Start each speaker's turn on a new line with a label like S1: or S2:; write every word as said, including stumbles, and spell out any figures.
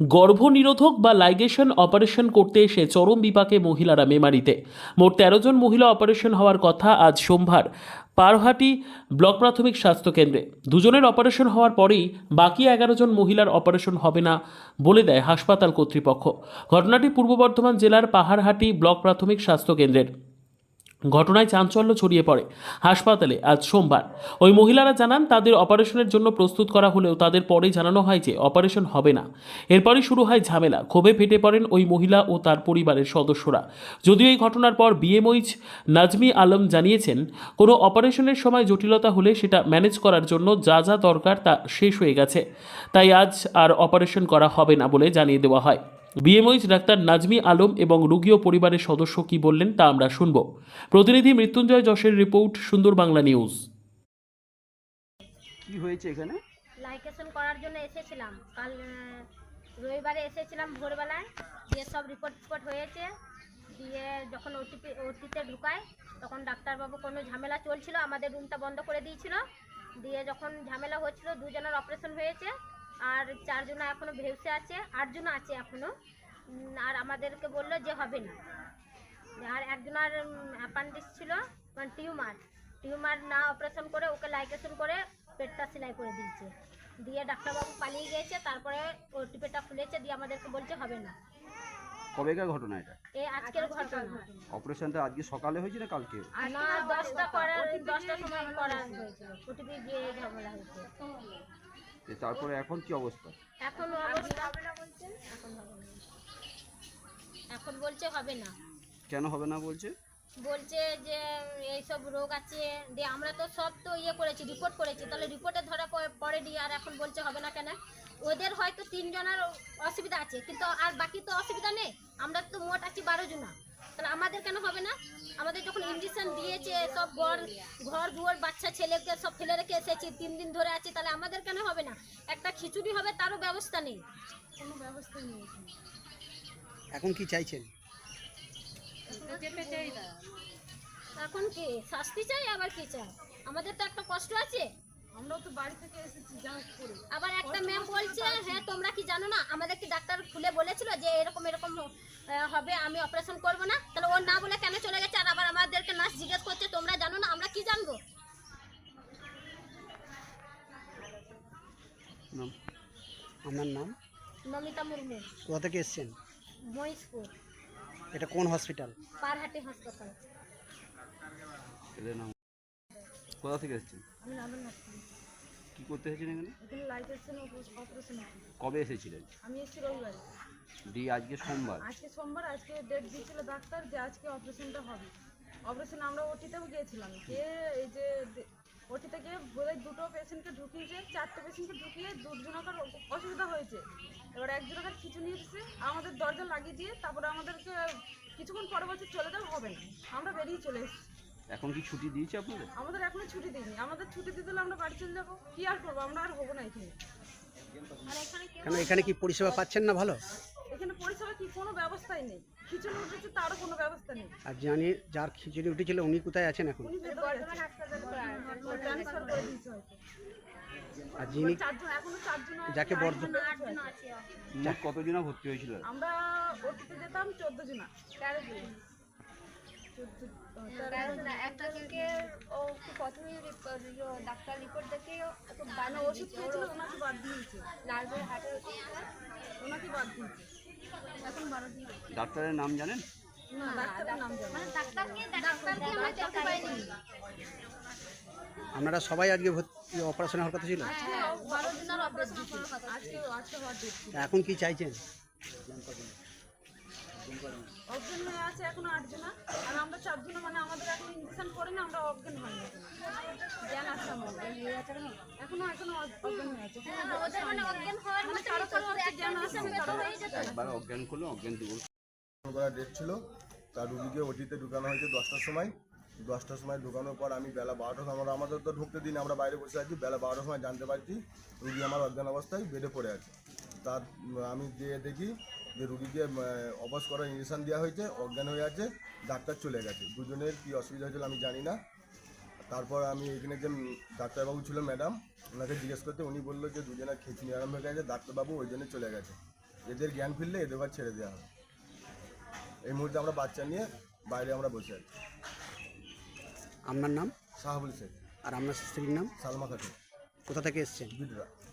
S1: গর্ভনিরোধক বা ligation operation করতে এসে চরম বিপাকে মহিলারা মেমারিতে। মোট তেরো জন মহিলা অপারেশন হওয়ার কথা আজ সোমবার পারহাটি ব্লক প্রাথমিক স্বাস্থ্য কেন্দ্রে। দুজনের অপারেশন হওয়ার পরেই বাকি এগারো জন মহিলার অপারেশন হবে না বলে দেয় হাসপাতাল কর্তৃপক্ষ। ঘটনাটি পূর্ব বর্ধমান জেলার পাহাড়হাটি ব্লক প্রাথমিক স্বাস্থ্য কেন্দ্রের। ঘটনায় চাঞ্চল্য ছড়িয়ে পড়ে হাসপাতালে আজ সোমবার। ওই মহিলারা জানান তাদের অপারেশনের জন্য প্রস্তুত করা হলেও তাদের পরে জানানো হয় যে অপারেশন হবে না। এরপরই শুরু হয় ঝামেলা। ক্ষোভে ফেটে পড়েন ওই মহিলা ও তার পরিবারের সদস্যরা। যদিও এই ঘটনার পর বিএমওইচ নাজমি আলম জানিয়েছেন, কোনো অপারেশনের সময় জটিলতা হলে সেটা ম্যানেজ করার জন্য যা যা দরকার তা শেষ হয়ে গেছে, তাই আজ আর অপারেশন করা হবে না বলে জানিয়ে দেওয়া হয়। বিএমওইচ ডাক্তার নাজমি আলম এবং রোগী ও পরিবারের সদস্য কি বললেন তা আমরা শুনব। প্রতিনিধি মৃত্যুঞ্জয় যশের রিপোর্ট, সুন্দর বাংলা নিউজ।
S2: কি হয়েছে এখানে?
S3: লাইকেশন করার জন্য এসেছিলাম কাল আহ, রবিবারে এসেছিলাম ভোরবেলায়, দিয়ে সব রিপোর্ট টিপোর্ট হয়েছে। দিয়ে যখন ওটিপি ওটিতে ঢুকায় তখন ডাক্তারবাবু কোনো ঝামেলা চলছিল, আমাদের রুমটা বন্ধ করে দিয়েছিল। দিয়ে যখন ঝামেলা হচ্ছিল দুজনের অপারেশন হয়েছে, আর চারজন এখনও ভেউসে আছে, আটজন আছে এখনও। আর আমাদেরকে বললো যে হবে না। আর একজনের অ্যাপেন্ডিক্স ছিল, মানে টিউমার টিউমার না অপারেশন করে ওকে লাইকেশন করে পেটটা সেলাই করে দিয়েছে। দিয়ে ডাক্তারবাবু পালিয়ে গিয়েছে, তারপরে ওটি পেটটা খুলেছে, দিয়ে আমাদেরকে বলছে হবে না।
S2: কবেকার ঘটনা এটা?
S3: এই আজকের ঘটনা।
S2: অপারেশনটা আজকে সকালে হয়েছে না কালকে?
S3: না, দশটা করার দশটার সময় করা হয়েছিল, ওটিপি দিয়ে ঝামেলা হয়েছে।
S2: তো তারপরে এখন কি অবস্থা?
S3: এখন অবস্থা হবে না বলছে, এখন হবে না, এখন বলছে হবে না।
S2: কেন হবে না বলছে?
S3: বলছে যে এইসব রোগ আছে, দিয়ে আমরা তো সব তো ইয়ে করেছি, রিপোর্ট করেছি, তাহলে রিপোর্টে ধরা পড়েনি, আর এখন বলছে হবে না কেন? ওদের হয়তো তিনজনের অসুবিধা আছে, কিন্তু আর বাকি তো অসুবিধা নেই। আমরা তো মোট আছি বারো জনা, তাহলে আমাদের কেন হবে না? আমাদের যখন ইঞ্জেকশন দিয়েছে, সব ঘর ঘর দুয়ার বাচ্চা ছেলেকে সব ফেলে রেখে এসেছি, তিন দিন ধরে আছি, তাহলে আমাদের কেন হবে না? একটা খিচুড়ি হবে তারও ব্যবস্থা নেই, কোনো ব্যবস্থা নেই।
S4: এখন কি চাইছেন?
S3: এখন কি শাস্তি চাই, আবার কি চাই? আমাদের তো একটা কষ্ট আছে,
S5: আমরাও তো বাড়ি থেকে এসেছি যা করে।
S3: আবার একটা ম্যাম বলছে হ্যাঁ তোমরা কি জানো না, আমাদের কি ডাক্তার খুলে বলেছিল যে এরকম এরকম আহ, হবে, আমি অপারেশন করব না? তাহলে ও না বলে কেন চলে গেছে? আর আবার আমাদেরকে নার্স জিজ্ঞেস করছে তোমরা জানো না, আমরা কি জানবো?
S4: আপনার নাম?
S3: নমিতা মুর্মু,
S4: কোথা থেকে এসছেন?
S3: মহিষপুর,
S4: এটা কোন হসপিটাল?
S3: পারহাটি হাসপাতাল।
S2: এদের নাম? কোথা থেকে এসেছেন?
S5: আমি নামের নাচছি,
S2: কি করতে এসেছেন এখানে?
S5: এখানে লাইকেশন অপারেশন আছে।
S2: কবে এসেছিলেন?
S5: আমি এসেছি রবিবারে,
S2: ডি আজকে সোমবার।
S5: আজকে সোমবার, আজকে ডেট দিয়েছিল ডাক্তার যে আজকে অপারেশনটা হবে। অপারেশন আমরা ওটিতেও গিয়েছিলাম, গিয়ে এই যে ওটিতে গিয়ে বোধহয় দুটো পেশেন্টকে ঢুকিয়েছে, চারটে পেশেন্টকে ঢুকিয়ে দুজনকার অসুবিধা হয়েছে। এবার একজনকার খিচুনি এসেছে, আমাদের দরজা লাগিয়ে দিয়ে তারপরে আমাদেরকে কিছুক্ষণ পরে বলছে চলে যাও, হবে না। আমরা বেরিয়ে চলে এসেছি।
S2: এখন কি ছুটি দিয়েছে আপনাদের?
S5: আমাদের এখনো ছুটি দিইনি, আমাদের ছুটি দিতে দিলে আমরা বাড়ি চলে যাবো। কি আর করবো, আমরা আর হবো না এখানে।
S4: কেন এখানে কি পরিষেবা পাচ্ছেন না ভালো?
S5: এখানে পরিষেবা কি, কোনো ব্যবস্থাই নেই। খিচুড়ি উঠেছে তারও কোনো ব্যবস্থা নেই।
S4: আর জানি যার খিচুড়ি উঠেছিল উনি কোথায় আছেন এখন?
S5: উনি ভেতরে ট্রান্সফার করে দিয়েছে হয়তো।
S4: আর যিনি
S5: চারজন, এখনো চারজন আছে,
S4: যাকে বর্ধ
S3: আটজন আছে।
S2: মোট কতজনা ভর্তি হয়েছিল?
S5: আমরা ওটিতে যেতাম চোদ্দ জনা, তেরো জন,
S6: একটা থেকে ও প্রথমে ডাক্তার রিপোর্ট দেখে
S5: না ওষুধ খেয়েছিল, ওনাকে বাদ দিয়েছে,
S6: নার্ভের হার্টের ওষুধ
S5: ওনাকে বাদ দিয়েছে। এখন বারো দিন।
S2: ডাক্তারের নাম জানেন?
S5: না, ডাক্তারের নাম জানি না।
S3: ডাক্তারকে ডাক্তারকে আমরা দেখতে পাইনি।
S4: আপনারা সবাই আজকে অপারেশন হওয়ার কথা ছিল?
S5: বারো জনের অপারেশন করার কথা, আজকে আজকে হওয়ার ডেট ছিল।
S4: এখন কি চাইছেন?
S5: অজ্ঞান হয়ে আছে এখনো আটজনা, আর আমরা চারজনা, মানে আমাদের এখন ইঞ্জেকশন করে না, আমরা অজ্ঞান হয়ে গেছি, জ্ঞান আছে আমাদের, এখনো এখনো অজ্ঞান হয়ে আছে।
S3: ওদের মানে অজ্ঞান হওয়ার
S5: মানে
S3: মতো
S5: কারো কারো
S3: কিছু
S5: হচ্ছে জ্ঞান আছে, কারো
S3: হয়ে যেত।
S2: একবার অজ্ঞান করলো, অজ্ঞান দিব
S7: করার ডেট ছিল। তার রুগীকে ওটিতে ঢুকানো হয়েছে দশটার সময়। দশটার সময় ঢুকানোর পর আমি বেলা বারোটার সময়, আমরা আমাদের তো ঢুকতে দিন, আমরা বাইরে বসে আছি। বেলা বারোটার সময় জানতে পারছি রুগী আমার অজ্ঞান অবস্থায় বেডে পড়ে আছে। তার আমি গিয়ে দেখি যে রুগীকে অবশ করার ইঞ্জেকশন দেওয়া হয়েছে, অজ্ঞান হয়ে আছে, ডাক্তার চলে গেছে। দুজনের কী অসুবিধা হয়েছিল আমি জানি না। তারপর আমি এখানে যে ডাক্তারবাবু ছিল ম্যাডাম, ওনাকে জিজ্ঞেস করতে উনি বললো যে দুজনের খিচুনি আরম্ভ হয়ে গেছে, ডাক্তারবাবু ওই জন্য চলে গেছে। এদের জ্ঞান ফিরলে এদের ঘর ছেড়ে দেওয়া হবে। এই মুহূর্তে আমরা বাচ্চা নিয়ে বাইরে আমরা বসে আছি।
S4: আপনার নাম
S7: সাহাবুল শেখ,
S4: আর আপনার স্ত্রীর নাম?
S7: সালমা খাতুন,
S4: কোথা থেকে এসছেন?
S7: বিডরা।